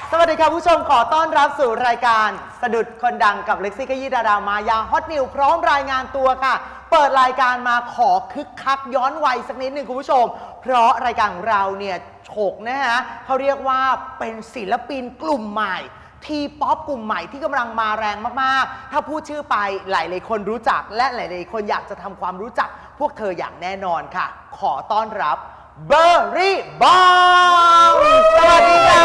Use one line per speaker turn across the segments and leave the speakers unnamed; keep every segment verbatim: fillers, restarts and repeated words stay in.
สวัสดีค่ะผู้ชมขอต้อนรับสู่รายการสะดุดคนดังกับเล็กซี่ขยี้ดารามายาฮอตนิวพร้อมรายงานตัวค่ะเปิดรายการมาขอคึกคักย้อนวัยสักนิดหนึ่งคุณผู้ชมเพราะรายการของเราเนี่ยโฉกนะฮะเขาเรียกว่าเป็นศิลปินกลุ่มใหม่ทีป๊อปกลุ่มใหม่ที่กำลังมาแรงมากๆถ้าพูดชื่อไปหลายๆคนรู้จักและหลายๆคนอยากจะทำความรู้จักพวกเธออย่างแน่นอนค่ะขอต้อนรับเบอร์รี่บอมสวัสดีค่ะ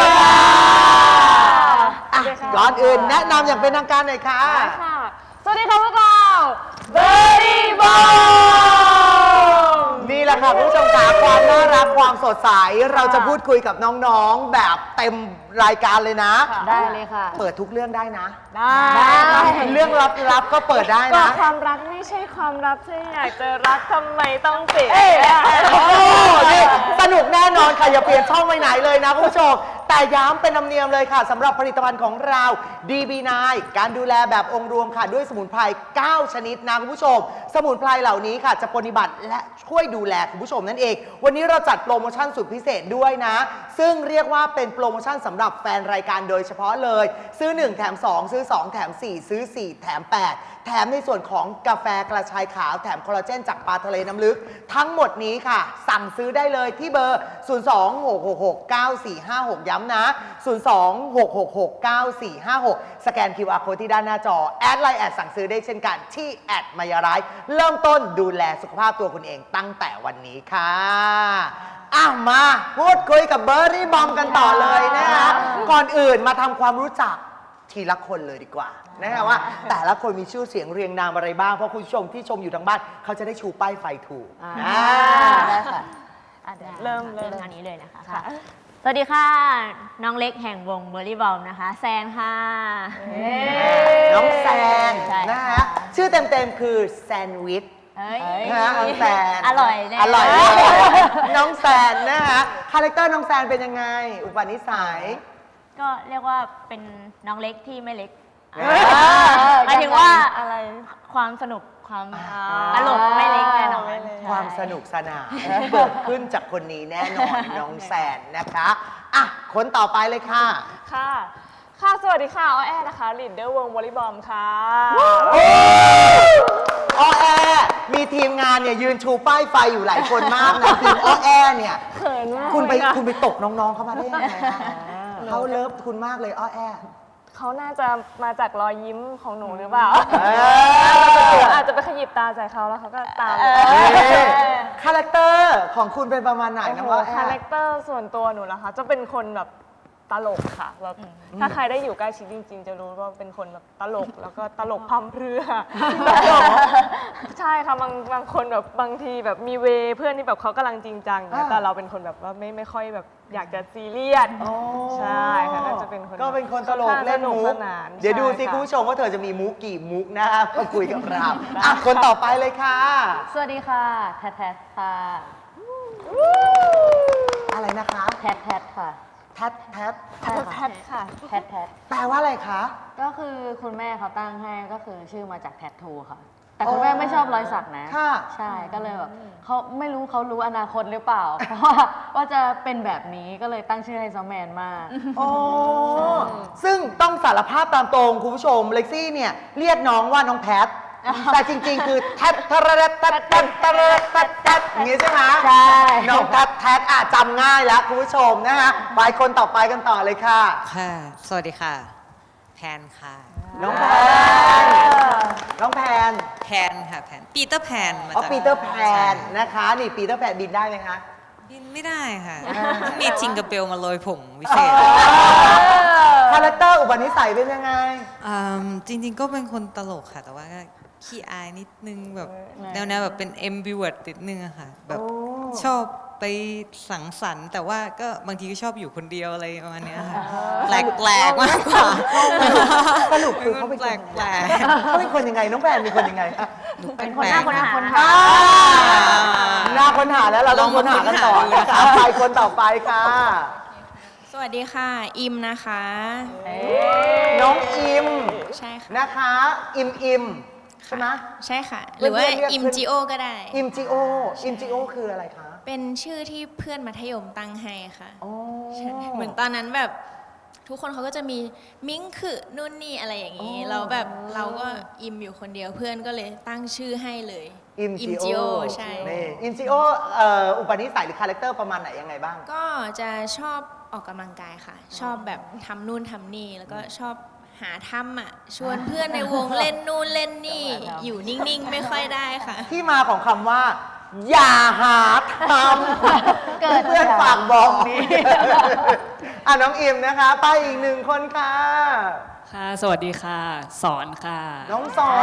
ก่อนอื่นแนะนำอย่างเป็นทางการหน่อยค่ะ
สวัสดีค่ะพวกเราเบอร์รี่บอม
นี่แหละค่ะผู้ชมค่ะความน่ารักความสดใสเราจะพูดคุยกับน้องๆแบบเต็มรายการเลยนะ
ได้เลยค่ะ
เปิดทุกเรื่องได้นะ
ได้
เรื่องลับๆก็เปิดได้นะ
ก็ความรักไม่ใช่ความลับที่อยากจะรักทำไมต้องปิด
โอ้นี่สนุกแน่นอนค่ะอย่าเปลี่ยนช่องไปไหนเลยนะคุณผู้ชมแต่ย้ำเป็นธรรมเนียมเลยค่ะสำหรับผลิตภัณฑ์ของเรา ดี บี ไนน์ การดูแลแบบองค์รวมค่ะด้วยสมุนไพรเก้าชนิดนะคุณผู้ชมสมุนไพรเหล่านี้ค่ะจะปฏิบัติและช่วยดูแลคุณผู้ชมนั่นเองวันนี้เราจัดโปรโมชั่นสุดพิเศษด้วยนะซึ่งเรียกว่าเป็นโปรโมชั่นสำหรับแฟนรายการโดยเฉพาะเลยซื้อหนึ่งแถมสองซื้อสองแถมสี่ซื้อสี่แถมแปดแถมในส่วนของกาแฟกระชายขาวแถมคอลลาเจนจากปลาทะเลน้ำลึกทั้งหมดนี้ค่ะสั่งซื้อได้เลยที่เบอร์ศูนย์ สอง หก หก หก เก้า สี่ ห้า หกย้ำนะศูนย์ สอง หก หก หก เก้า สี่ ห้า หกสแกน คิว อาร์ Code ที่ด้านหน้าจอแอดไลน์แอดสั่งซื้อได้เช่นกันที่แอดมายาไรเริ่มต้นดูแลสุขภาพตัวคุณเองตั้งแต่วันนี้ค่ะอ่ะมาพูดคุยกับเบอร์รี่บอมกันต่อเลยนะคะก่อนอื่นมาทำความรู้จักทีละคนเลยดีกว่านะฮะว่าแต่ละคนมีชื่อเสียงเรียงนามอะไรบ้างเพราะคุณผู้ชมที่ชมอยู่ทางบ้านเขาจะได้ชูป้ายไฟถูก
ได้ค่ะ
เริ่ม
เริ่มทางนี้เลยนะคะสวัสดีค่ะน้องเล็กแห่งวงเบอร์รี่บอมนะคะแซนค่ะ
น้องแซนนะฮะชื่อเต็มๆคือแซนด์วิชนะน้องแซน
อร่อยเลย
อร่อยน้องแซนนะฮะคาแรคเตอร์น้องแซนเป็นยังไงอุปนิสัย
ก็เรียกว่าเป็นน้องเล็กที่ไม่เล็กหมายถึงว่าอะไรความสนุกความตลกไม่เล็กแน่นอน
ความสนุกสนานเกิดขึ้นจากคนนี้แน่นอนน้องแซนนะคะอ่ะคนต่อไปเลยค่ะ
ค่ะค่ะสวัสดีค่ะอ้อแอนะคะลีดเดอร์วงวอลเลย์บอลค่ะ
อ้อแอมีทีมงานเนี่ยยืนชูป้ายไฟอยู่หลายคนมากนะทีมอ้อแอเนี่ย
เขินมาก
คุณไปคุณไปตกน้องๆเข้ามาได้ยังไงเขาเลิฟคุณมากเลยอ้อแอ
เขาน่าจะมาจากรอยยิ้มของหนูหรือเปล่าอาจจะไปขยิบตาใส่เขาแล้วเขาก็ตาม
คาแรคเตอร์ของคุณเป็นประมาณไหนนะว่า
คาแรคเตอร์ส่วนตัวหนูนะคะจะเป็นคนแบบตลกค่ะแบบถ้าใครได้อยู่ใกล้ชิดจริงๆจะรู้ว่าเป็นคนแบบตลกแล้วก็ตลกพัมเพรื่อใช่ค่ะบางบางคนแบบบางทีแบบมีเวเพื่อนที่แบบเขากำลังจริงจังแต่เราเป็นคนแบบว่าไม่ไม่ค่อยแบบอยากจะซีเรียสใช่ค่ะก็จะเป็นคน
ก็เป็นคนตลกเล่นมุกเดี๋ยวดูสิคุณผู้ชมว่าเธอจะมีมุกกี่มุกนะคะมาคุยกับเราอ่ะคนต่อไปเลยค่ะ
สวัสดีค่ะแททแททค่ะ
อะไรนะคะ
แททแททค่ะ
แททแทท
แททแททค่ะ
แททแทท
แปลว่าอะไรคะ
ก็คือคุณแม่เขาตั้งให้ก็คือชื่อมาจากแทททูค่ะแต่คุณแม่ไม่ชอบรอยสักนะใช่ก็เลยแบบเขาไม่รู้เขารู้อนาคตหรือเปล่าเพราะว่าว่าจะเป็นแบบนี้ก็เลยตั้งชื่อให้ซอมแมนมาก
โอ้ซึ่งต้องสารภาพตามตรงคุณผู้ชมเล็กซี่เนี่ยเรียกน้องว่าน้องแพทแต่จริงๆคือแทททระแททแทททระแททแททอย่างนี้ใช่ไหม
ใช่
น้องแททแททอ่ะจำง่ายแล้วคุณผู้ชมนะฮะไปคนต่อไปกันต่อเลยค่ะ
ค่ะสวัสดีค่ะแพนค่ะ
น้องแพนน้องแพน
แพนค่ะแพนปีเตอร์แพน
อ๋อปีเตอร์แพนนะคะนี่ปีเตอร์แพนบินได้ไหมคะ
บินไม่ได้ค่ะต้องมีจิงกระเบลมาโรยผงวิเศษ
คาแรคเตอร์อุปนิสัยเป็นยังไง
จริงๆก็เป็นคนตลกค่ะแต่ว่าขี้อายนิดนึงแบบแนวๆแบบเป็น เอ็ม บี วอร์ด นิดนึงอะค่ะแบบชอบไปสังสรรค์แต่ว่าก็บางทีก็ชอบอยู่คนเดียวอะไรประมาณนี้ค่ะแปลกๆมากกว่า
สรุปคือเขาเป็นคนแปลกเขาเป็นคนยังไงน้องแพนเป็นคนยังไง
เป็นคนหน้าคนหาคนหา
หน้าคนหาแล้วเราต้องคนหากันต่อนะคะไปคนต่อไปค่ะ
สวัสดีค่ะอิมนะคะ
น้องอิม
ใช่ค่ะ
นะคะอิมอิมใช่ไหม
ใช่ค่ะหรือว่าอิมจิโอก็ได้
อิมจิโออิมจิโอคืออะไรคะ
เป็นชื่อที่เพื่อนมัธยมตั้งให้ค่ะเหมือนตอนนั้นแบบทุกคนเขาก็จะมีมิ้งคือนู่นนี่อะไรอย่างนี้เราแบบเราก็อิมอยู่คนเดียวเพื่อนก็เลยตั้งชื่อให้เลย
อิม
อิม
จิ
จิ
โอ
โอใช่
นี่อิมจิโอเอ่ออุปนิสัยหรือคาแรคเตอร์ประมาณไหนยังไงบ้าง
ก็จะชอบออกกำลังกายค่ะ ชอบแบบทำนู่นทำนี่แล้วก็ชอบหาทำอ่ะชวนเพื่อนในวงเล่นนู่นเล่นนี่ อยู่นิ่งๆ ไม่ค่อยได้ค่ะ
ที่มาของคำว่า อย่าหาทำ
เกิด
เพื่อนๆฝากบอกนี้ อ่ะน้องอิมนะคะ ไปอีกหนึ่งคนค่ะ
ค่ะ สวัสดีค่ะ สอนค่ะ
น้องสอน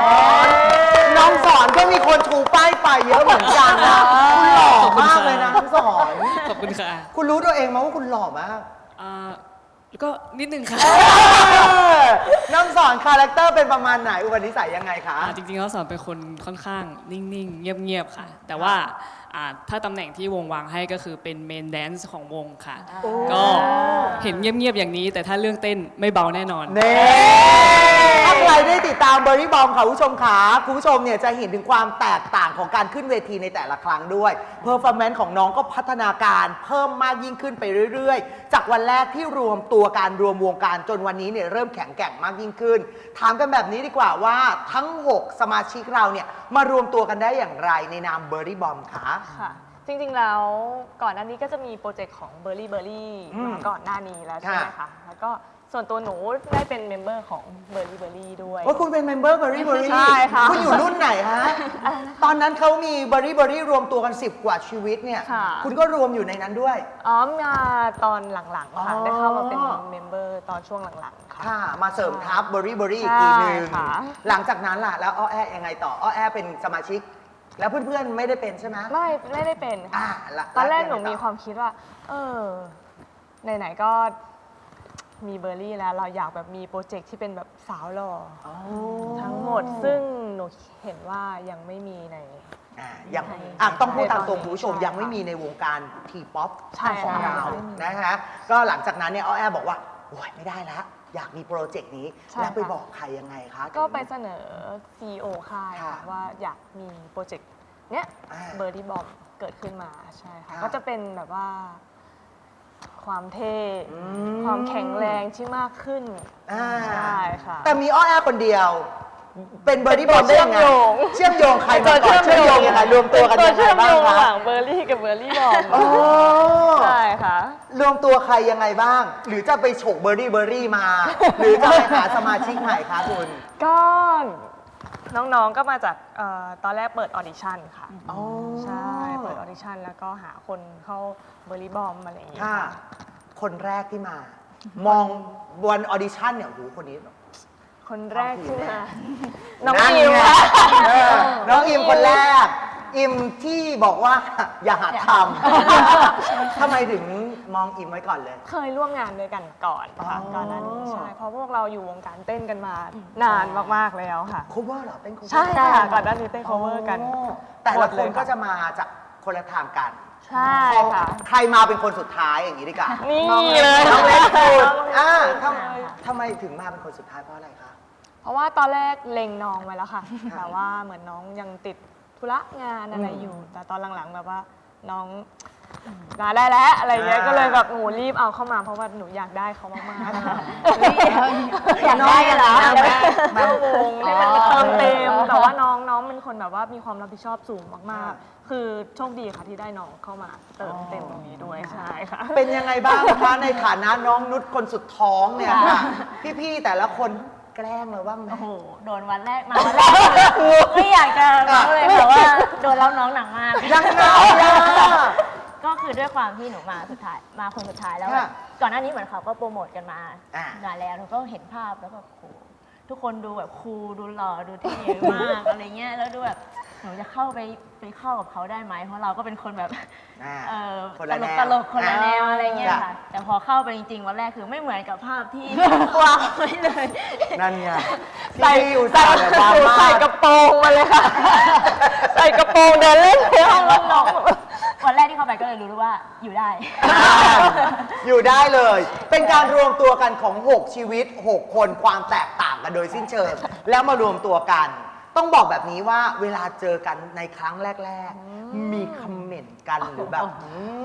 น้องสอนก็มีคนชูป้ายไฟเยอะเหมือนกันนะคุณหล่อมากเลยนะน้องสอน
ขอบคุณค่ะ
คุณรู้ตัวเองไหมว่าคุณหล่อมาก
อ่าแล้วก็นิดนึงค่ะ
น้องสอนคาแรคเตอร์เป็นประมาณไหนอุปนิสัยยังไงคะ
อ่าจริงๆแล้วสอนเป็นคนค่อนข้างนิ่งๆ เงียบๆ ค่ะ แต่ว่าอ่าถ้าตำแหน่งที่วงวางให้ก็คือเป็นเมนแดนซ์ของวงค่ะ ก็เห็นเงียบๆ อย่างนี้ แต่ถ้าเรื่องเต้นไม่เบาแน่นอน
เน่ถ้าใครได้ติดตามเบอร์รี่บอมค่ะคุณผู้ชมขาคุณผู้ชมเนี่ยจะเห็นถึงความแตกต่างของการขึ้นเวทีในแต่ละครั้งด้วยเพอร์ฟอร์แมนซ์ของน้องก็พัฒนาการเพิ่มมากยิ่งขึ้นไปเรื่อยๆ จากวันแรกที่รวมตัวการรวมวงการจนวันนี้เนี่ยเริ่มแข็งแกร่งมากยิ่งขึ้น ถามกันแบบนี้ดีกว่าว่าทั้ง หก สมาชิกเราเนี่ยมารวมตัวกันได้อย่างไรในนามเบอร์รี่บอมคะ
ค่ะ จริงๆแล้วก่อนหน้านี้ก็จะมีโปรเจกต์ของเบอร์รี่เบอร์รี่
อืม
มาก่อนหน้านี้แล้วใช่ไหมคะแล้วก็ส่วนตัวหนูได้เป็นเมมเบอร์ของเบอร์รี่เบอร์รี่ด้วย
ว่าคุณเป็นเมมเบอร์เบอร์รี่เบอร์รี่
ใช่ค่ะ
คุณอยู่รุ่นไหนฮะ ตอนนั้นเขามีเบอร์รี่เบอร์รี่รวมตัวกันสิบกว่าชีวิตเนี่ย
ค่ะ
คุณก็รวมอยู่ในนั้นด้วย
อ๋อมาตอนหลังๆค่ะ
อ๋อ
ได้เข้ามาเป็นเมมเบอร์ตอนช่วงหลังๆค่ะ
ค่ะ มาเสริมทัพเบอร์รี่เบอร์รี่อีกทีหนึง
ใช่ค่ะ
หลังจากนั้นล่ะ แล้วอ้อแอยังไงต่ออ้อแอเป็นสมาชิก แล้วเพื่อนๆไม่ได้เป็นใช่ไหม
ไม่ไม่ได้เป็น
อ่า
ค่ะ
ละ
ตอนแรกหนู
ล้วยังไง
มีความคิดว่า เออไหนๆก็มีเบอร์รี่แล้วเราอยากแบบมีโปรเจกต์ที่เป็นแบบสาวหล่อ
อ๋อ
ทั้งหมดซึ่งหนูเห็นว่ายังไม่มีใน
อ่ายัง
ใช่
อ่ะต้องพูดตามตรง
ในตอนนี้
คุณผู้ชม
ใช่
ยังไม่
ค่ะ
มีในวงการทีป๊อป
ใช่
ของ
ค่ะ
เรา
ไม่มี
นะคะก็หลังจากนั้นเนี่ยอ้อแอบอกว่าโอ้ยไม่ได้แล้ว อยากมีโปรเจกต์นี้
ใช่
แล้วไป
ค่ะ
บอกใครยังไงคะ
ก็ไปเสนอ ซี อี โอ ค่าย
ค่ะ
ค่ะว่าอยากมีโปรเจกต์เนี้ย
อ่า
เบอร์ดี้บอมเกิดขึ้นมาใช่ค่ะ
ค่ะ
ก็จะเป็นแบบว่า ความเท่
อื
ความแข็งแรงที่มากขึ้น
อ่า
ใช่ค่ะ
แต่มีอ้อแอคนเดียว เป็นเบอร์ดี้บอมได้ยังไง
เชื่อมโยง
เชื่อมโยงใครมาก่อนเชื่อมโยงยังไงรวมตัวกัน
ตัว
ยังไง
เชื่อม
บ้า
โย
ง
งระห
คะ
ว่างเบอร์รี่กับเบอร์รี่บอม
โอ้
ใช่ค่ะ
รวมตัวใครยังไงบ้าง หรือจะไปฉกเบอร์รี่เบอร์รี่มา หรือจะไปหาสมาชิกใหม่คะคุณ
ก็น้องๆก็มาจากเอ่อตอนแรกเปิดออดิชั่นค่ะ
อ๋อ
ใช่ เปิดออดิชั่นแล้วก็หาคนเข้าเบอร์รี่บอมอะไรอย่างเงี้ย
ค่ะ
ค่ะ
คนแรกที่มา มองวันออดิชั่นเนี่ยโอ้โหคนนี้
คนแรกที่มาน้อง
นั่น
อิม
ไง
ค่ะ
เออน้องอิมคนแรก อิมที่บอกว่า อย่าหาทำทำไมถึงมองอิมไว้ก่อนเลย
เคยร่วมงานด้วยกันก่อนค่ะ
อ๋อ
ก่อนหน้านี้ใช่ เพราะพวกเราอยู่วงการเต้นกันมานานมากๆแล้วค่ะ
cover เหรอเต้น cover
ใช่ค่ะก่อนหน้านี้เต้น cover กัน
อ๋อแต่ละ
หมด
ค
เลย
นก็จะมาจากคนละทางกัน
ใช่ค่ะ
ใครมาเป็นคนสุดท้ายอย่างนี้ดีกว่า
นี่เลย
น้องเล็กสุดอ่า
น้อง
ท
เล็ก
ำทำไมถึงมาเป็นคนสุดท้ายเพราะอะไรคะ
เพราะว่าตอนแรกเล็งน้องไว้แล้วค่ะ แต่ว่าเหมือนน้องยังติดธุระงานอะไรอยู่ แต่ตอนหลังๆแบบว่าน้องลาได้แล้วอะไรเงี้ย
อ่า
ก็เลยแบบหนูรีบเอาเข้ามาเพราะว่าหนูอยากได้เขามากๆค่ะ
อยากได้เหรอ
อยากได้เข้าวงให้มันเติมเต็ม แต่ว่าน้องน้องเป็นคนแบบว่ามีความรับผิดชอบสูงมากๆ คือโชคดีค่ะที่ได้น้องเข้ามาเติมเต็มตรงนี้ด้วยใช่ค่ะ
เป็นยังไงบ้างคะในฐานะน้องนุชคนสุดท้องเนี่ยค่ะ พี่ๆแต่ละคนแกล้งเราบ้างไหม
โอ้โห โดนวันแรกมาวันแรกไม่อยากจะบอกเลยแต่ว่าโดนแล้วน้องหนักมาก
ยังไงอ่ะ
ก็คือด้วยความที่หนูมาสุดท้ายมาคนสุดท้ายแล้วแบบ
ค่ะ
ก่อนหน้านี้เหมือนเขาก็โปรโมทกันมา
อ่า
นานแล้วหนูก็เห็นภาพแล้วแบบโหทุกคนดูแบบคูลดูหล่อดูเท่มาก อะไรเงี้ยแล้วดูแบบหนูจะเข้าไปไปเข้ากับเขาได้ไหมเพราะเราก็เป็นคนแบบ
อ่า
เออ
คน
ต
ละ
ล
แน
ก
ว
ตลกคนละแนว
อ่า
อะไรเงี้ย
จ้ะ
ค่ะ แต่พอเข้าไปจริงๆวันแรกคือไม่เหมือนกับภาพที่ วางไว้เลย
นั่นไง
ใส่
พี่อุตส่าห์แบบว่า
หนูใส่กระโปรงมาเลยค่ะ ใส่กระโปรงเดินเล่นในห้องน้อง
วันแรกที่เข้าไปก็เลยรู้ว่าอยู่ได้
อ่าอยู่ได้เลย เป็นการรวมตัวกันของ หก ชีวิต หก คนความแตกต่างกันโดยสิ้นเชิง แล้วมารวมตัวกัน ต้องบอกแบบนี้ว่าเวลาเจอกันในครั้งแรก ๆ มีคอมเมนต์กันหรือแบบอืม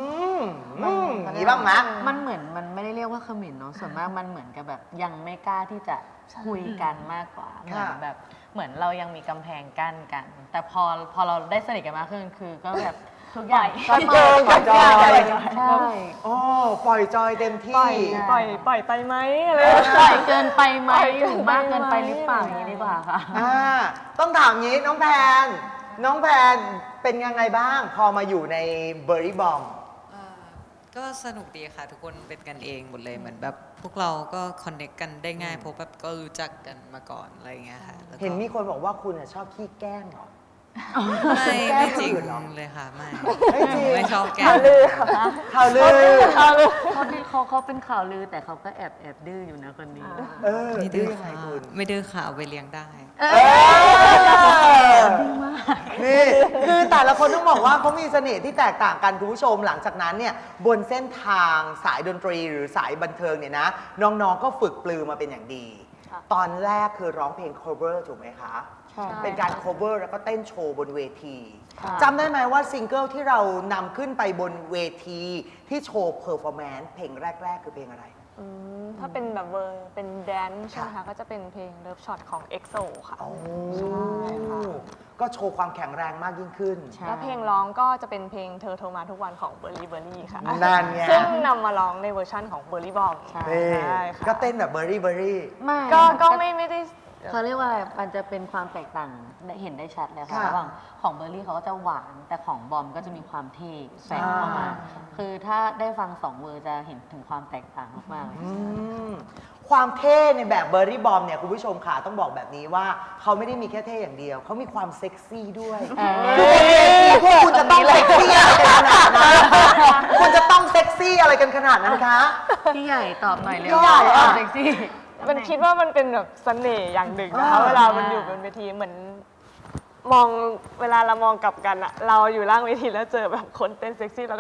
อืมมีบ้างไหม
มันเหมือนมันไม่ได้เรียกว่าเขมิ่นเนาะส่วนมากมันเหมือนกับแบบยังไม่กล้าที่จะคุยกันมากกว่าเหมือนแบบเหมือนเรายังมีกำแพงกั้นกัน แต่พอพอเราได้สนิทกันมากขึ้นคือก็แบบทุกอย่างก็
เจอกับจอย
ใช่
โอ้ปล่อยจอยเต็ม
ปล่อย
ที่
ปล่อยปล่อยไปไหมอะไร
ปล่อยเกินไปไหม
ปล่อยเกิน
หรือมากเกินไป
ไปไหม
หรือเปล่าอย่างนี้ดีกว่าค่ะ
อ่าต้องถามงี้น้องแพน น้องแพนเป็นยังไงบ้าง พอมาอยู่ในเบอร์รี่บอม
อ่าก็สนุกดีค่ะ ทุกคนเป็นกันเองหมดเลยเหมือนแบบพวกเราก็คอนเน c กกันได้ง่ายเพราะแบบก็รู้จักกันมาก่อนอะไรอย่างเงี้ยค่ะแล้วก็
เห็นมีคนบอกว่าคุณอะชอบขี้แกล้งเหรอ
ไม่
แกล้ง
ไม่จริง
คนอื่นเหรอ
เลยค่ะไม่
ไม่จริง
ไม่ชอบแกล้ง
ข่าวลือ
ข่าวลือ
เขาที่เขาเขาเป็นข่าวลือแต่เขาก็แอบแอบดื้ออยู่นะคนนี้
เออ
ไม่
ดื้
ดื้
อ
อ
ยังไง
ค่ะ
คุณ
ไม่ดื้อค่ะเอาไปเลี้ยงได้
เออนี่คือแต่ละคนต้องบอกว่าเขามีเสน่ห์ที่แตกต่างกันคุณผู้ชมหลังจากนั้นเนี่ยบนเส้นทางสายดนตรีหรือสายบันเทิงเนี่ยนะ น้องๆก็ฝึกปลือมาเป็นอย่างดี ตอนแรกคือร้องเพลง cover ถูกไหมคะ
ใช่
เป็นการ cover แล้วก็เต้นโชว์บนเวที
ค่ะ
จำได้ไหมว่าซิงเกิลที่เรานำขึ้นไปบนเวทีที่โชว์ performance เพลงแรก ๆ คือเพลงอะไร
อืมถ้าเป็นแบบเวอร์เป็นแดนซ์ใช่ไหมคะก็จะเป็นเพลง Love Shot ของ เอ็กโซ ค่ะ
โอ้
ใช่ค่ะ
ก็โชว์ความแข็งแรงมากยิ่งขึ้น
ใช่
แล้วเพลงร้องก็จะเป็นเพลงเธอโทรมาทุกวันของเบอร์รี่เบอร์รี่ค่ะ
นั่นไง
ซึ่งนำมาร้องในเวอร์ชั่นของเบอร์รี่บอม
ใช่
นี่
ใช่ค่ะ
ก็เต้นแบบเบอร์รี่เบอร์รี่
ไม่
ก็ก็ไม่ไม่ได้
เขาเรียกว่าอะไรมันจะเป็นความแตกต่างได้เห็นได้ชัดเลยค่ะ
ค่ะ
ระหว่างของเบอร์รี่เขาก็จะหวาน แต่ของบอมก็จะมีความเท่แฝงเข้ามา
อ่า
คือถ้าได้ฟังสองเวอร์จะเห็นถึงความแตกต่างมากๆเลย
อืมความเท่ในแบบเบอร์รี่บอมเนี่ยคุณผู้ชมค่ะต้องบอกแบบนี้ว่าเขาไม่ได้มีแค่เท่อย่างเดียว เขามีความเซ็กซี่ด้วย
เออ
คือบนเวทีพวกคุณจะต้องเซ็กซี่อะไรกันขนาดนั้นคุณจะต้องเซ็กซี่อะไรกันขนาดนั้นคะ
พี่ใหญ่ตอบหน่อยเร็ว
พี่ใหญ่อะ
เซ็กซี่
มันคิดว่ามันเป็นแบบเสน่ห์อย่างหนึ่งนะคะ
อ่า
เวลามันอยู่บนเวทีเหมือนมองเวลาเรามองกลับกันอะเราอยู่ล่างเวทีแล้วเจอแบบคนเต้นเซ็กซี่แล้วก็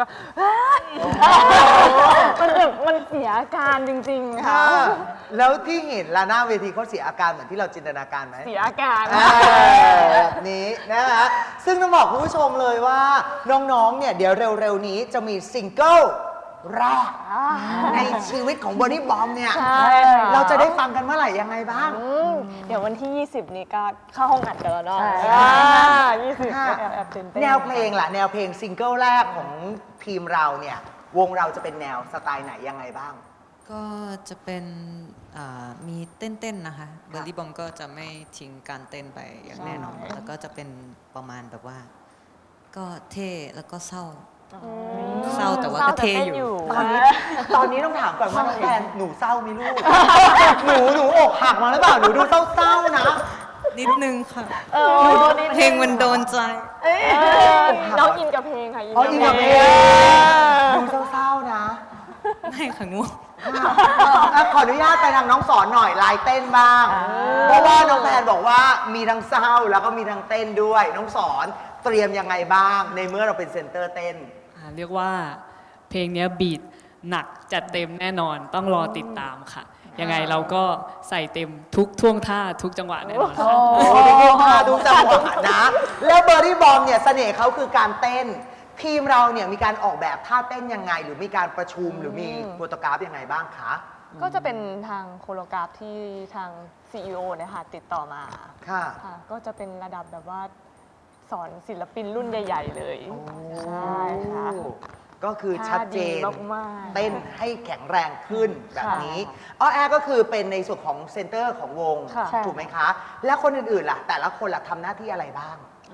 มันแบบมันเสียอาการจริงๆค่ะ
ค่ะแล้วที่เห็นลาหน้าเวทีเขาเสียอาการเหมือนที่เราจินตนาการไหม
เสียอาการ
อ่าแบบนี้นะคะซึ่งต้องบอกคุณผู้ชมเลยว่าน้องๆ เนี่ยเดี๋ยวเร็วๆ นี้จะมีซิงเกิลแรกในชีวิตของบอดี้บอมเนี่ย
ใช่ค่ะ
เราจะได้ฟังกันเมื่อไหร่ยังไงบ้าง
อืมเดี๋ยววันที่ ยี่สิบ นี้ก็เข้าห้องอัดกันแล้วเนาะ
ใช่
อ่ายี่สิบ
ค่ะ
แอบแอบตื่นเต้น
แนวเพลงล่ะ แนวเพลงซิงเกิลแรกของทีมเราเนี่ย วงเราจะเป็นแนวสไตล์ไหนยังไงบ้าง
ก็จะเป็นอ่ามีเต้นๆนะคะเบอร์รี่บอมก็จะไม่ทิ้งการเต้นไปอย่างแน่นอน แล้วก็จะเป็นประมาณแบบว่า ก็เท่แล้วก็เศร้า เศร้าแต่ว่าก็เท่อยู่
ตอนนี้ตอนนี้ต้องถามก่อนว่าน้องแพนหนูเศร้าไหมลูก หนูหนูอกหักมาหรือเปล่า หนูดูเศร้าๆนะ
นิดนึงค่ะ
เออ
เพลงมันโดนใจ
เออน้องอินกับเพลงค่ะ
อ๋ออินกับเพลง
ง
ดูเศร้าๆนะ
ไม่ค่ะง่วง
อ่ะขออนุญาตไปทางน้องสอนหน่อยลายเต้นบ้าง เพราะว่าน้องแพนบอกว่ามีทั้งเศร้าแล้วก็มีทั้งเต้นด้วย น้องสอนเตรียมยังไงบ้าง ในเมื่อเราเป็นเซนเตอร์เต้น
อ่าเรียกว่าเพลงเนี้ยบีทหนักจัดเต็มแน่นอนต้องรอติดตามค่ะ ยังไงเราก็ใส่เต็มทุกท่วงท่าทุกจังหวะแน่นอนค่ะ
โอ้โหดูท่าดูจังหวะนะ แล้วเบอร์รี่บอมเนี่ยเสน่ห์เขาคือการเต้น ทีมเราเนี่ยมีการออกแบบท่าเต้นยังไง หรือมีการประชุมหรือมีโปรโตกราฟยังไงบ้างคะ
ก็จะเป็นทางโคโรกราฟที่ทาง ซี อี โอ เนะคะติดต่อมา
ค่ะ
ค่ะ ก็จะเป็นระดับแบบว่าสอนศิลปินรุ่นใหญ่ ๆ เลย ใช่ค่ะ
ก็คือชัดเจน
ท่าดีมากๆ
เต้นให้แข็งแรงขึ้นแบบนี้อ้อแอร์ก็คือเป็นในส่วนของเซนเตอร์ของวง
ค่ะ
ถูกไหมคะ แล้วคนอื่นๆล่ะ แต่ละคนล่ะทำหน้าที่อะไรบ้าง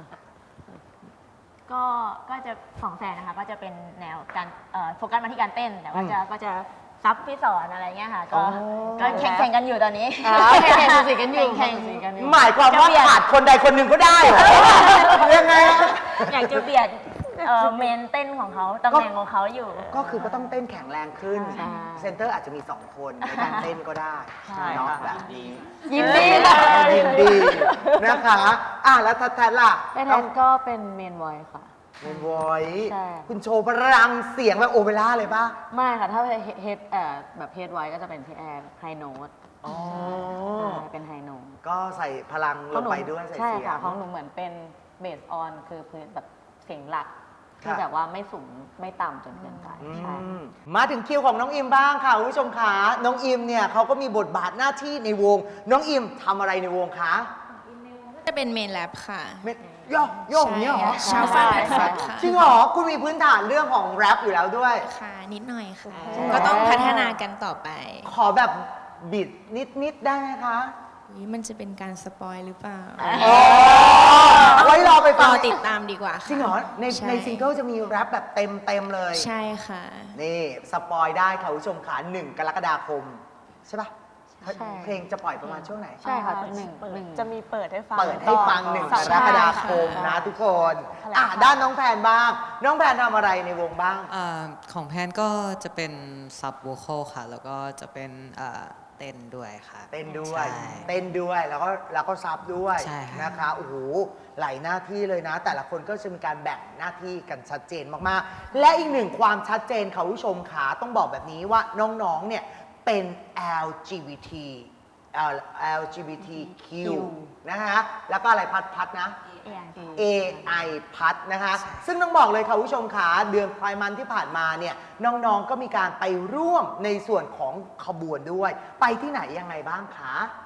ก็ก็จะของแสนนะคะก็จะเป็นแนวการเอ่อโฟกัสมาที่การเต้น แต่ว่าจะก็จะซับพี่สอนอะไรเงี้ยค่ะ ก็
อ๋อ
ก็แข่งแข่งกันอยู่ตอนนี้
อ่าแข่งๆสูสีกันอยู่
แข่ง
สูสีกันอยู่
หมายความว่าขาดคนใดคนหนึ่งก็ได้เหรอยังไงอะ
อยากจะเบียดเอ่อเมนเต้นของเขาตำแหน่งของเขาอยู่
ก็คือก็ต้องเต้นแข็งแรงขึ้น
ใช่
เซนเตอร์อาจจะมีสองคนในการเต้นก็ได้
ใช่
เนาะ
ค่ะ
แบบนี้
ยินดีค่ะ
ยินดีนะคะอ่ะแล้วทัดทัดล่ะ
แม่แทนก็เป็นเมนวอยค่ะ
เป็นวอย
ใช่
คุณโชว์พลังเสียงแบบโอเปร่าเลยป่ะ
ไม่ค่ะ ถ้าเฮดเอ่อแบบเฮดไว้ก็จะเป็นพี่แอนไฮโน้ต
อ๋อ
เป็นไฮโน้ต
ก็ใส่พลังลงไปด้วยใส่
ใช่
เสีย
ค่ะ
ง
ของหนูเหมือนเป็นเบสออนคือพื้นแบบเสียงหลักที่
ค่ะ
แบบว่าไม่สูงไม่ต่ำจนเกินไปใช่
อืมมาถึงคิวของน้องอิมบ้างค่ะคุณผู้ชมคะน้องอิมเนี่ยเขาก็มีบทบาทหน้าที่ในวง น้องอิมทำอะไรในวงคะ
จะเป็นเมนแลบค่ะ
เม็ดโยกโยกอย่างเนี้ยเหรอ
ชาวฟันแพดฟัดค่ะ
จริงเหรอคุณมีพื้นฐานเรื่องของแรปอยู่แล้วด้วย
ค่ะ นิดหน่อยค่ะ
จริงเหรอ
ก็ต้องพัฒนากันต่อไป
ขอแบบบิดนิดนิดๆได้ไหมคะ
อุ๊ยมันจะเป็นการสปอยหรือเปล่า
ไว้รอไป
ร
ฟัง
อติดตามดีกว่าค่ะ
จริงเหรอใน
ใช่
ในซิงเกิลจะมีแรปแบบเต็มเต็มๆเลย
ใช่ค่ะ
นี่สปอยได้ค่ะคุณผู้ชมขาหนึ่งกรกฎาคม ใช่ปะ
ใช่
เพลงจะปล่อยประมาณช่วงไหน
ใช่ค่ะ
อ่า
หนึ่งหนึ่ง
จะมีเปิดให้ฟัง
เปิดให้ฟังหนึ่งก
สัป
ร
ดาห์
กฎาคม
ค่ะ
นะทุกคน
แถลง
อ่ะ
ข่าว
ด้านน้องแพนบ้าง น้องแพนทำอะไรในวงบ้าง
อ่าของแพนก็จะเป็นซับ v o ค a l ค่ะ แล้วก็จะเป็นอ่าเต้นด้วยค่ะ
เต้นด้วย
ใช่
เต้นด้วยแล้วก็แล้วก็ซับด้วย
ใช่ค่ะ
นะคะโอ้โหหลายหน้าที่เลยนะ แต่ละคนก็จะมีการแบ่งหน้าที่กันชัดเจนมากๆ และอีกหนึ่งความชัดเจนค่ะคุณผู้ชมขาต้องบอกแบบนี้ว่าน้องๆเนี่ยเป็น แอล จี บี ที แอล จี บี ที คิว นะคะแล้วก็อะไรพัดพัดๆนะ เอ ไอ พัดนะคะ ซึ่งต้องบอกเลยค่ะคุณผู้ชมขาเดือนไพร์มันที่ผ่านมาเนี่ยน้องๆก็มีการไปร่วมในส่วนของขบวนด้วย ไปที่ไหนยังไงบ้างคะ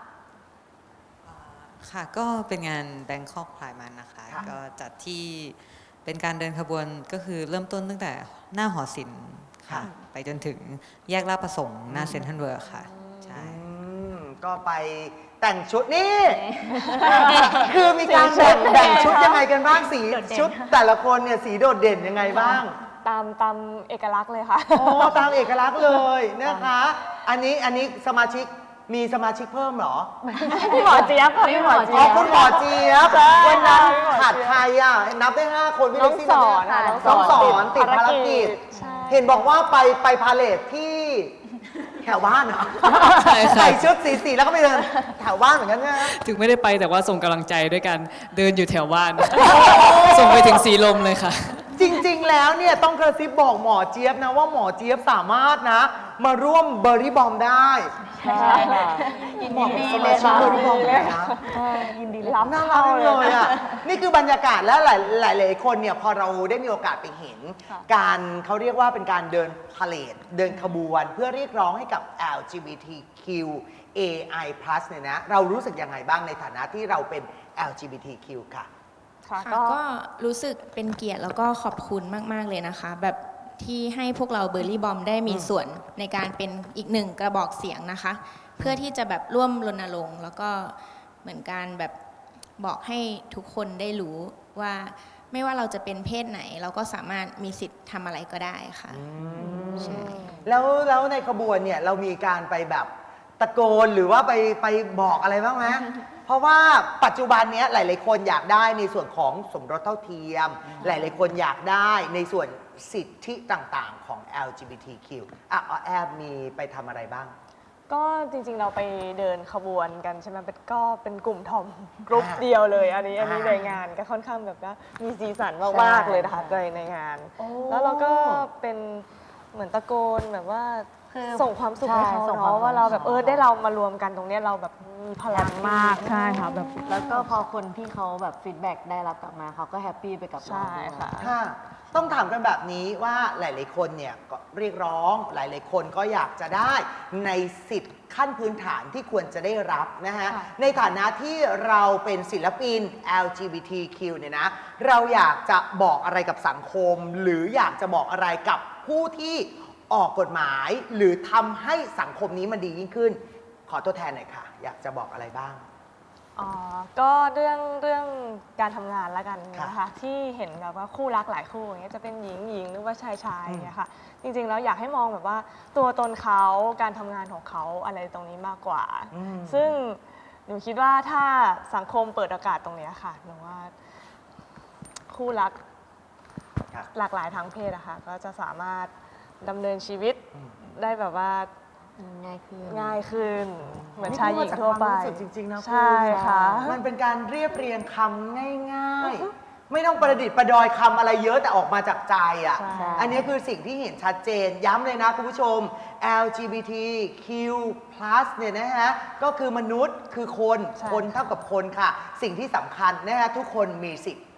ค่ะ ก็เป็นงาน Bangkok Pride Month นะคะ
ค่ะ
ก็จัดที่เป็นการเดินขบวนก็คือเริ่มต้นตั้งแต่หน้าหอศิลป์ค่ะ ไปจนถึงแยกลาดประสงค์หน้าเซ็นทรัลเวิร์ค่ะ ใช่
อืมก็ไปแต่งชุดนี่ คือมีการแบ่งแบ่งชุดยังไงกันบ้างสีชุดแต่ละคนเนี่ยสีโดดเด่นยังไงบ้าง
ตามตามเอกลักษณ์เลยค่ะ
อ๋อตามเอกลักษณ์เลยนะคะ อันนี้อันนี้สมาชิกมีสมาชิกเพิ่มเหรอ
พี่หมอเจี๊ยบค่ะพี่หมอ
อ๋
เจี๊
อย
บ
คุณหมอเจี๊ยบ
ใช่
วันนั้น
พี่หมอเจี๊ยบ
ขาดใครอ่ะ นับได้ห้าคนพี่
น้
เล็
อก ง
ซี่
สอน
ค่ะ
ค่ะ
น้องสอนติดภารกิจ
ใช่
เห็นบอกว่าไปไปพาเลทที่แถวบ้านเหรอ
ใช่ค่ะ
ใส่ชุดสีสีแล้วก็ไปเดินแถวบ้านเหมือนกันใช่ไหม
ถึงไม่ได้ไปแต่ว่าส่งกำลังใจด้วยกันเดินอยู่แถวบ้าน ส่งไปถึงสีลมเลยค่ะ
จริง ๆ แล้วเนี่ยต้องกระซิบบอกหมอเจี๊ยบนะว่าหมอเจี๊ยบสามารถนะ มาร่วมเบอร์รี่บอมได้
ใช่ค่ะ
ยิน
บอก
ดี
ส
เล
มาย ชิก
ค่ะ
เบอร์รี่บอมเลยนะ
ใช่ยินดีรับ
น่ารักจังเลยอ่ะ นี่คือบรรยากาศและหลายหลายหลายคนเนี่ยพอเราได้มีโอกาสไปเห็น
ค่ะ
การเขาเรียกว่าเป็นการเดินพาเลทเดินขบวนเพื่อเรียกร้องให้กับ แอล จี บี ที คิว เอ ไอ พลัส เนี่ยนะ เรารู้สึกยังไงบ้างในฐานะที่เราเป็น แอล จี บี ที คิว ค่ะ
ค่ะ
ค่ะ
ก็
ก็รู้สึกเป็นเกียรติแล้วก็ขอบคุณมาก ๆ เลยนะคะ แบบที่ให้พวกเราเบอร์รี่บอมได้มีส่วนในการเป็นอีกหนึ่งกระบอกเสียงนะคะ เพื่อที่จะแบบร่วมรณรงค์แล้วก็เหมือนการแบบบอกให้ทุกคนได้รู้ว่าไม่ว่าเราจะเป็นเพศไหน เราก็สามารถมีสิทธิ์ทำอะไรก็ได้ค่ะใช่
แล้วแล้วในขบวนเนี่ยเรามีการไปแบบตะโกนหรือว่าไปไปบอกอะไรบ้างไหม เพราะว่าปัจจุบันเนี้ยหลาย ๆ คนอยากได้ในส่วนของสมรสเท่าเทียม หลาย ๆ คนอยากได้ในส่วนสิทธิต่าง ๆ ของ แอล จี บี ที คิว อ่ะอ๋อแอบมีไปทำอะไรบ้าง
ก็จริงๆเราไปเดินขบวนกันใช่ไหมเป็นก็เป็นกลุ่มทอมกรุ๊ปเดียวเลย อันนี้อันนี้ในงานก็ค่อนข้างแบบว่ามีสีสันมากๆเลยนะคะในในงาน
โอ้
แล้วเราก็เป็นเหมือนตะโกนแบบว่า
คือ
ส่งความสุขให้เขา
ใช่ส่งความ
เนาะว่าเราแบบ
สุข
เออได้เรามารวมกันตรงเนี้ยเราแบบมีพลังมากใช่ค่ะแบบ
แล้วก็พอคนที่เขาแบบฟีดแบ็กได้รับกลับมาเขาก็แฮปปี้ไปกับเรา
ใช่
ด้วย
ค่ะ
ค่ะต้องถามกันแบบนี้ว่าหลาย ๆ คนเนี่ยก็เรียกร้องหลาย ๆ คนก็อยากจะได้ในสิทธิ์ขั้นพื้นฐานที่ควรจะได้รับนะฮะ
ค่ะ
ในฐานะที่เราเป็นศิลปิน แอล จี บี ที คิว เนี่ยนะเราอยากจะบอกอะไรกับสังคม หรืออยากจะบอกอะไรกับผู้ที่ออกกฎหมาย หรือทำให้สังคมนี้มันดียิ่งขึ้น ขอตัวแทนหน่อยค่ะ อยากจะบอกอะไรบ้าง
อ๋อก็เรื่องเรื่องการทำงานละกันนะ
ค่ะ
คะที่เห็นแบบว่าคู่รักหลายคู่อย่างเงี้ยจะเป็นหญิงหญิงหรือว่าชายชายอย่างเงี้ยค่ะจริงๆแล้วอยากให้มองแบบว่าตัวตนเขาการทำงานของเขาอะไรตรงนี้มากกว่า
อืม
ซึ่งหนูคิดว่าถ้าสังคมเปิดโอกาสตรงเนี้ยค่ะหนูว่าคู่รัก
ค่ะ
หลากหลายทางเพศอะค่ะก็จะสามารถดำเนินชีวิตได้แบบว่า
ง่ายขึ้น
ง่ายขึ้น เหมือนชายหญิงทั่วไป
นี่พูดมาจากความรู้สึกจริง ๆ นะคุณ
ใช่ค่ะ
มันเป็นการเรียบเรียงคำง่าย ๆ ไม่ต้องประดิษฐ์ประดอยคำอะไรเยอะแต่ออกมาจากใจอ่ะ
ใช่
อันนี้คือสิ่งที่เห็นชัดเจน ย้ำเลยนะคุณผู้ชม แอล จี บี ที คิว พลัส เนี่ยนะฮะ ก็คือมนุษย์คือคน
ใช่
คนเท่ากับคนค่ะ สิ่งที่สำคัญนะฮะทุกคนมีสิทธิ์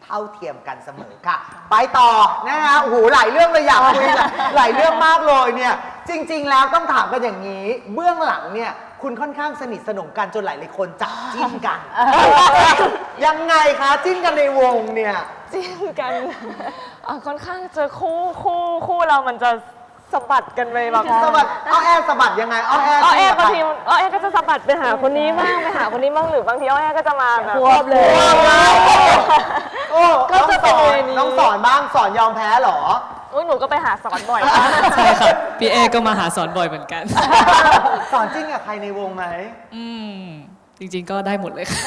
เท่าเทียมกันเสมอค่ะ ไปต่อนะฮะโอ้โหหลายเรื่องเลยอยากคุย หลายเรื่องมากเลยเนี่ยจริง ๆ แล้วต้องถามกันอย่างนี้ เบื้องหลังเนี่ยคุณค่อนข้างสนิทสนมกันจนหลายๆคนจับจิ้นกัน ยังไงคะจิ้นกันในวงเนี่ย
จิ้นกันอ่ะค่อนข้างจะคู่คู่คู่เรามันจะสะบัดกันไปแบบ
สะบัดอ้อแอสะบัดยังไงอ้อแอ
อ้อแอบาง
จิ้นกับใคร
ทีอ้อแอก็จะสะบัดไปหาคนนี้บ้างไปหาคนนี้บ้างหรือบางทีอ้อแอก็จะมาแบบ
ควบเลย
โอ้
ก็
น้อง
จะ
ส
เป็น
อน
เวนี้
น้องสอนบ้างสอนยอมแพ้เหรอ
อุ๊ยหนูก็ไปหาสอนบ่อยมาก
ใช่ครับพี่เอก็มาหาสอนบ่อยเหมือนกัน
สอนจิ้นกับใครในวงไหม
อืมจริงๆก็ได้หมดเลยค่ะ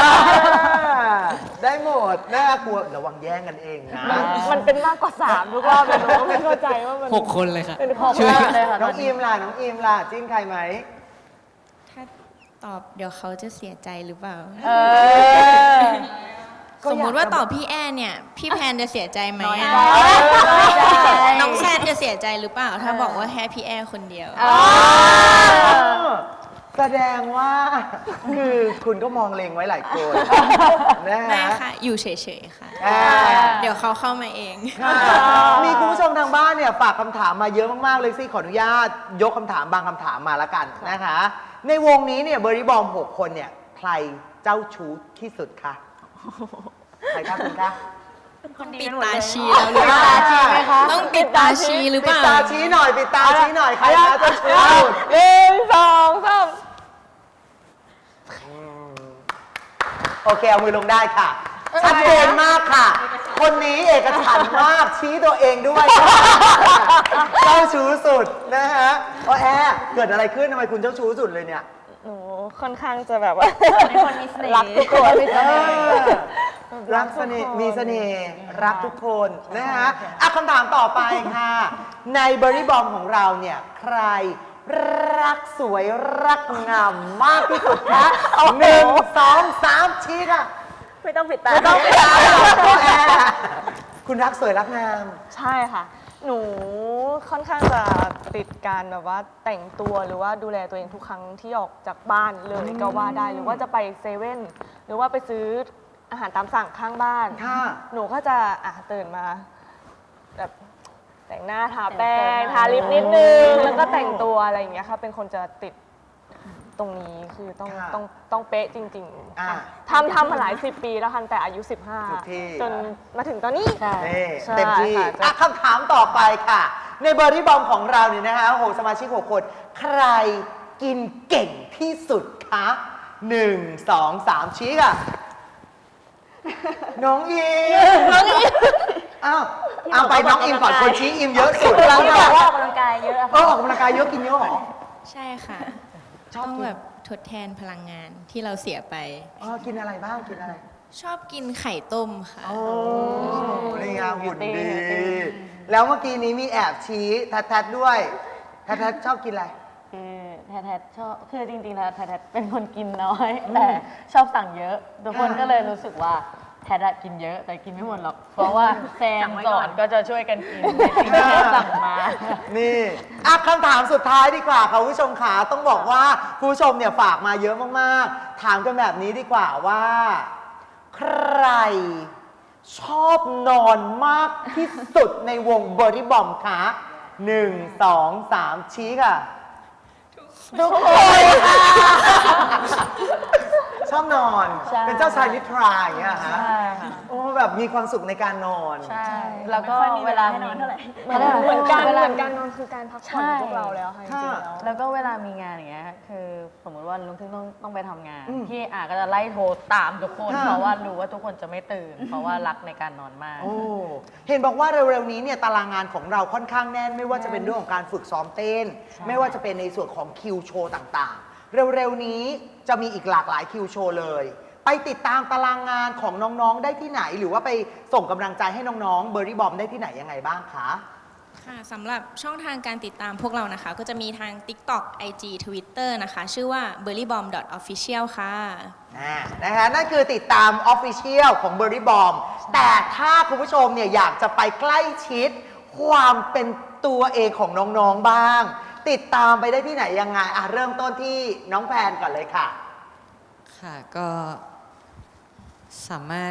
ได้หมดน่ากลัวระวังแย่งกันเองนะ
มันเป็นมากกว่าสามทุกรอบเลยหนูก็ไม่เข้าใจว่ามัน
หกคนเลยค่ะ
เป็น
หก
ช่วย
คนเลยค่ะ
น้องอีมล่ะน้องอีมล่ะจิ้นใครไหม
ถ้าตอบเดี๋ยวเขาจะเสียใจหรือเปล่า
เออ
สมมุติว่าตอบพี่แอนเนี่ย พี่แพนจะเสียใจไหม
น้อย
อะ
ใจน้อยใจ
น้องแซนจะเสียใจหรือเปล่า ถ้าบอกว่าแค่พี่แอนคนเดียว
แสดงว่า คือคุณก็มองเลงไว้หลายคนนะ
ไม่
ฮะ
ค่ะ อยู่เฉยๆค่ะ
อ่า
เดี๋ยวเขาเข้ามาเอง
ค่ะมีคุณผู้ชมทางบ้านเนี่ยฝากคำถามมาเยอะมาก ๆ เลยสิขออนุญาตยกคำถามบางคำถามมาละกันนะคะ ในวงนี้เนี่ยเบอร์รี่บอมหกคนเนี่ยใครเจ้าชู้ที่สุดคะใครคะคุณคะ
ปิดตาชี้แล้วหรือเปล่า
ปิดตาชี้ไหมคะ
ต้องปิดตาชี้หรือเป
ปิด
ล่า
ตาชี้หน่อยปิดตาชี้หน่อยใครคะเจ้าชู้ที่สุด
หนึ่งสองสาม
โอเคเอามือลงได้ค่ะ ชัดเจนมากค่ะ คนนี้เอกฉันท์มากชี้ตัวเองด้วยเจ้าชู้สุดนะฮะโอ้แอร์เกิดอะไรขึ้นทำไมคุณเจ้าชู้สุดเลยเนี่ย
หนูค่อนข้างจะแบบว่า
เป็นคนมีเสน่ห์
รักทุกคน
เออรักเสน่ห์มีเสน่ห์รักทุกคนนะฮะอ่ะคำถามต่อไปค่ะ ในเบอร์รี่บอมของเราเนี่ย ใครรักสวยรักงามมากที่สุดคะหนึ่งสองสามชี้ค่ะ
ไม่ต้องปิดตา
ไม่ต้องไปตามแอร์คุณรักสวยรักงาม
ใช่ค่ะ หนูค่อนข้างจะติดการแบบว่าแต่งตัวหรือว่าดูแลตัวเองทุกครั้งที่ออกจากบ้านเลยก็ว่าได้ หรือว่าจะไปเซเว่นหรือว่าไปซื้ออาหารตามสั่งข้างบ้าน
ค่ะ
หนูก็จะอ่ะตื่นมาแบบแต่งหน้าทาแป้งทาลิปนิดนึงแล้วก็แต่งตัวอะไรอย่างเงี้ยค่ะเป็นคนจะติดตรงนี้คือต้อง
ค่ะ
ต้องต้องเป๊ะจริง
อ่ะ
ๆทำทำมาหลายสิบปีแล้วค่ะแต่อายุ สิบห้า
ทุกที่
จนมาถึงตอนนี้
ใช่
นี่
ใช่
เต็มที่
ค่ะจะ
อ่ะคำถามต่อไปค่ะ ในเบอร์รี่บอมของเราเนี่ยนะคะโอ้โหสมาชิกหกคน ใครกินเก่งที่สุดคะหนึ่งสองสามชี้ค่ะ น้องอิมน้องอิมอ้าวเอาไปน้องอิมก่อนคนชี้อิมเยอะสุด
เราที่บอกว่าออกกำลังกายเยอะอะ
เออออกกำลังกายเยอะกินเยอะเหรอ
ใช่ค่ะ
ชอบ
ต้อง
กิน
แบบทดแทนพลังงานที่เราเสียไป
อ๋อกินอะไรบ้างกินอะไร
ชอบกินไข่ต้มค่ะ
โอ้นี่ไงหุ่นดี แล้วเมื่อกี้นี้มีแอบชี้แทัดๆด้วยแทัดๆชอบกินอะไร
คือแททชอบคือจริงๆแล้วแททเป็นคนกินน้อย แต่ชอบสั่งเยอะ ทุกคนก็เลยรู้สึกว่าแททกินเยอะ แต่กินไม่หมดหรอก เพราะว่าแซมสอนก็จะช่วยกันกินในสิ่งที่แทสั่งมา
นี่อ่ะคำถามสุดท้ายดีกว่าค่ะคุณผู้ชมขาต้องบอกว่าคุณผู้ชมเนี่ยฝากมาเยอะมากๆ ถามกันแบบนี้ดีกว่าว่า ใครชอบนอนมากที่สุดในวงเบอร์รี่บอมคะหนึ่งสองสามชี้ค่ะ ทุกคนชอบนอน
ใช่
เป็นเจ้าชายนิทราอย่างเงี้ยฮะ
ใช่ค่ะ
โอ้แบบมีความสุขในการนอน
ใช่ แล้วก็เวลาให้นอนเท่าไหร่
เหมือนเหมือนกันเหมือนกันนอนคือการพักผ่อนของพวกเราแล้วค่ะจริงๆแล้ว
แล้วก็เวลามีงานอย่างเงี้ย คือสมมติว่าลุงทึ่งต้องต้องไปทำงาน
อืม
พี่อาก็จะไล่โทรตามทุกคน
ค่ะ
เพราะว่ารู้ว่าทุกคนจะไม่ตื่น เพราะว่ารักในการนอนมาก
โอ้เห็นบอกว่าเร็วๆนี้เนี่ยตารางงานของเราค่อนข้างแน่น ไม่ว่าจะเป็นเรื่องของการฝึกซ้อมเต้น
ใช่
ไม่ว่าจะเป็นในส่วนของคิวโชว์ต่างๆ เร็วๆนี้จะมีอีกหลากหลายคิวโชว์เลย ไปติดตามตารางงานของน้องๆได้ที่ไหน หรือว่าไปส่งกำลังใจให้น้องๆเบอร์รี่บอมได้ที่ไหนยังไงบ้างคะ
ค่ะสำหรับช่องทางการติดตามพวกเรานะคะ ก็จะมีทาง TikTok ไอ จี Twitter นะคะ ชื่อว่า เบอร์รี่บอม ดอท ออฟฟิเชียล ค่ะ
อ่านะคะนั่นคือติดตาม Official ของ b u r r y Bomb แต่ถ้าคุณผู้ชมเนี่ยอยากจะไปใกล้ชิดความเป็นตัวเองของน้องๆบ้าง ติดตามไปได้ที่ไหนยังไงอ่ะเริ่มต้นที่น้องแพนก่อนเลยค่ะ
ค่ะก็สามารถ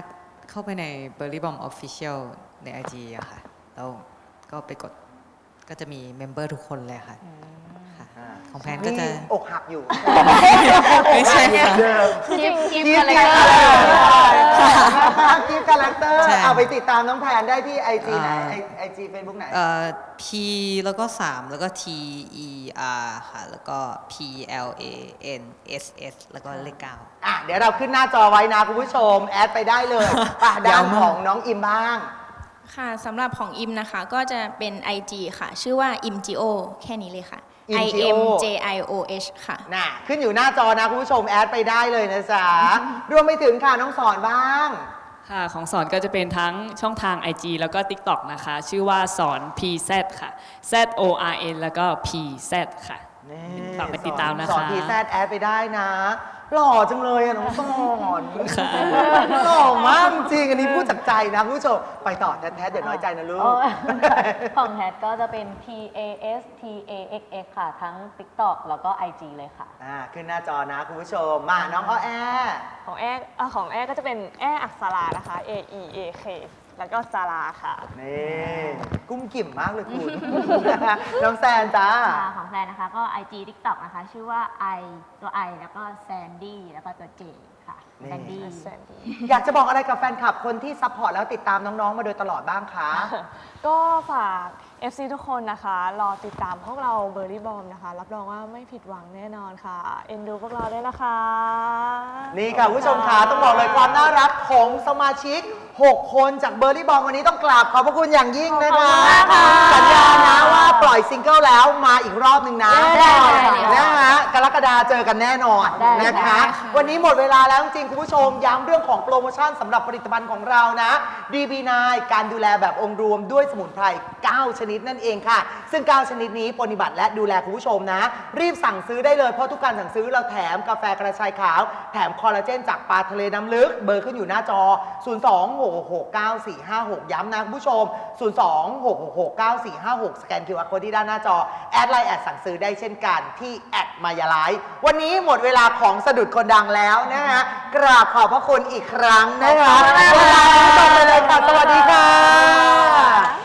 เข้าไปใน b e r r y Bomb Official ใน ไอ จี อะค่ะ แล้วก็ไปกดก็จะมีเมมเบอร์ทุกคนเลยค่ะค่ะ ของแพนก็จะ
นี่อกหักอยู่
ไม่ใช่ค่ะ
เดิม
กิฟต์กิฟ
กิ
ต์
ฟ
อะไร
ต์
กัน
นะคะกิฟต์คาแรคเตอร์
ใช่
เอาไปติดตามน้องแพนได้ที่ไอจีไหน
อ่า
ไอจีเฟซบุ๊กไหน
เอ่อ P แล้วก็สามแล้วก็ T E R ค่ะ แล้วก็ P L A N S S แล้วก็เลขเก้า
อ่ะเดี๋ยวเราขึ้นหน้าจอไว้นะคุณผู้ชม แอดไปได้เลยป่ะด้าน
ยาวมาก
ของน้องอิมบ้าง
ค่ะสำหรับของอิมนะคะก็จะเป็น ไอ จี ค่ะ ชื่อว่า อิมจิโอ แค่นี้เลยค่ะ I
Imgio
M J I O H ค่ะ
น่ะขึ้นอยู่หน้าจอนะคุณผู้ชมแอดไปได้เลยนะจ๊ะ รวมไปถึงค่ะน้องสอนบ้าง
ค่ะของสอนก็จะเป็นทั้งช่องทาง ไอ จี แล้วก็ TikTok นะคะ ชื่อว่าสอน พี แซด ค่ะ Z O R N แล้วก็ พี แซด ค่ะ
นี่
ฝากไปติดตามนะคะ
สอนพีแซดแอดไปได้นะ หล่อจังเลยอะน้องสอน
ค่ะ
หล่อมากจริงอันนี้พูดจากใจนะคุณผู้ชมไปต่อแท้ๆเดี๋ยวน้อยใจนะลูก
โอ้ยของแพทก็จะเป็น P A S T A X X ค่ะ ทั้ง TikTok แล้วก็ ไอ จี เลยค่ะ
อ่าขึ้นหน้าจอนะคุณผู้ชมมาน้องอ้อแอ
ของแอร์อ่ะของแอร์ก็จะเป็นแอร์อักษรานะคะ A E A K แล้วก็จาราค่ะ
นี่กุ้มกิ่มมากเลยคุณ น้องแซนจ้า
ค่ะของแซนนะคะก็ ไอ จี TikTok นะคะ ชื่อว่า I ตัว I แล้วก็แซนดี้แล้วก็ตัว J ค่ะ
นี่
แซนดี้
อยากจะบอกอะไรกับแฟนคลับคนที่ซัพพอร์ตแล้วติดตามน้องๆมาโดยตลอดบ้างคะ
ก็ฝาก เอฟ ซี ทุกคนนะคะ รอติดตามพวกเราเบอร์รี่บอมนะคะ รับรองว่าไม่ผิดหวังแน่นอนค่ะ เอ็นดูพวกเราด้วยนะคะ
นี่ค่ะคุณผู้ชมค่ะต้องบอกเลยความน่ารักของสมาชิก หก คนจากเบอร์รี่บอมวันนี้ต้องกราบขอบพระคุณอย่างยิ่งนะคะ สัญญานะว่าปล่อยซิงเกิลแล้วมาอีกรอบหนึ่งนะ
ได้ค่ะ
นะคะกรกฎาเจอกันแน่นอน
ได้
นะคะ
ได้ค่ะ
วันนี้หมดเวลาแล้วจริงๆคุณผู้ชมย้ำเรื่องของโปรโมชั่นสำหรับผลิตภัณฑ์ของเรานะ ดี บี ไนน์ การดูแลแบบองค์รวมด้วยสมุนไพร เก้า ชนิดนั่นเองค่ะ ซึ่ง เก้า ชนิดนี้ปฏิบัติและดูแลคุณผู้ชมนะ รีบสั่งซื้อได้เลยเพราะทุกการสั่งซื้อเราแถมกาแฟกระชายขาว แถมคอลลาเจนจากปลาทะเลน้ำลึก เบอร์ขึ้นอยู่หน้าจอ ศูนย์ สอง หก หก เก้า สี่ ห้า หก ย้ำนะคุณผู้ชม ศูนย์ สอง หก หก เก้า สี่ ห้า หก สแกน คิว อาร์ Code ที่ด้านหน้าจอ แอดไลน์แอดสั่งซื้อได้เช่นกันที่แอดมายาไลฟ์วันนี้หมดเวลาของสะดุดคนดังแล้วนะฮะกราบขอบพระคุณอีกครั้งนะคะเวลาไปเลยค่ะสวัสดีค่ะ